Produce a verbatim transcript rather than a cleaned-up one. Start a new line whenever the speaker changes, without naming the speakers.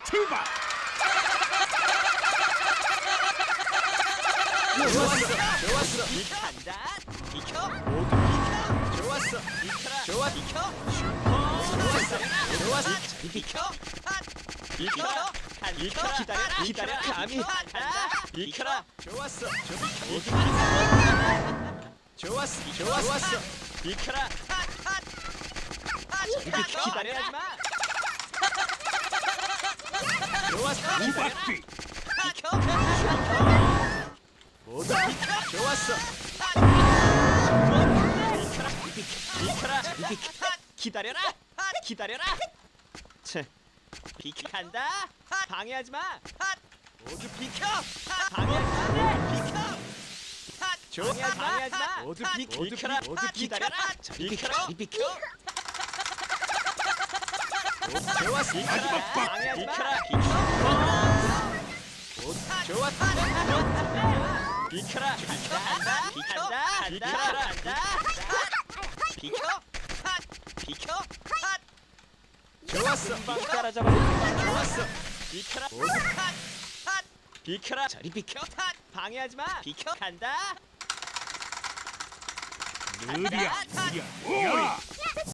출발.
좋았어, 좋았어. 간다. 비켜. 모두 비켜. 좋았어. 비켜라. 좋아. 비켜. 좋았어. 좋았어. 비켜. 비켜. 비켜. 기다려. 기다려. 감히 간다. 비켜라. 좋았어. 모두 비켜. 좋았어. 좋았어. 비켜라. 비켜. 기다려야지 마. 좋았어.
우박뒤.
비켜. 모두 비켜. 좋았어. 비켜라. 비켜. 기다려라. 기다려라. 체. 비켜. 간다. 방해하지 마. 모두 비켜. 방해하지 마. 비켜. 조용히 방해하지 마. 모두 비켜. 비켜라. 모두 기다려라. 비켜라. 비켜. 좋았어.
마지막 박.
방해하지 마. 비켜. 좋았다. 비켜라. 간다. 비켜라. 비켜라. 간다. 비켜. 비켜. 좋았어. 금방 따라잡아. 좋았어. 비켜라. 비켜라. 저리 비켜. 방해하지 마. 비켜. 간다.
느리야. 느리야. 뭐야?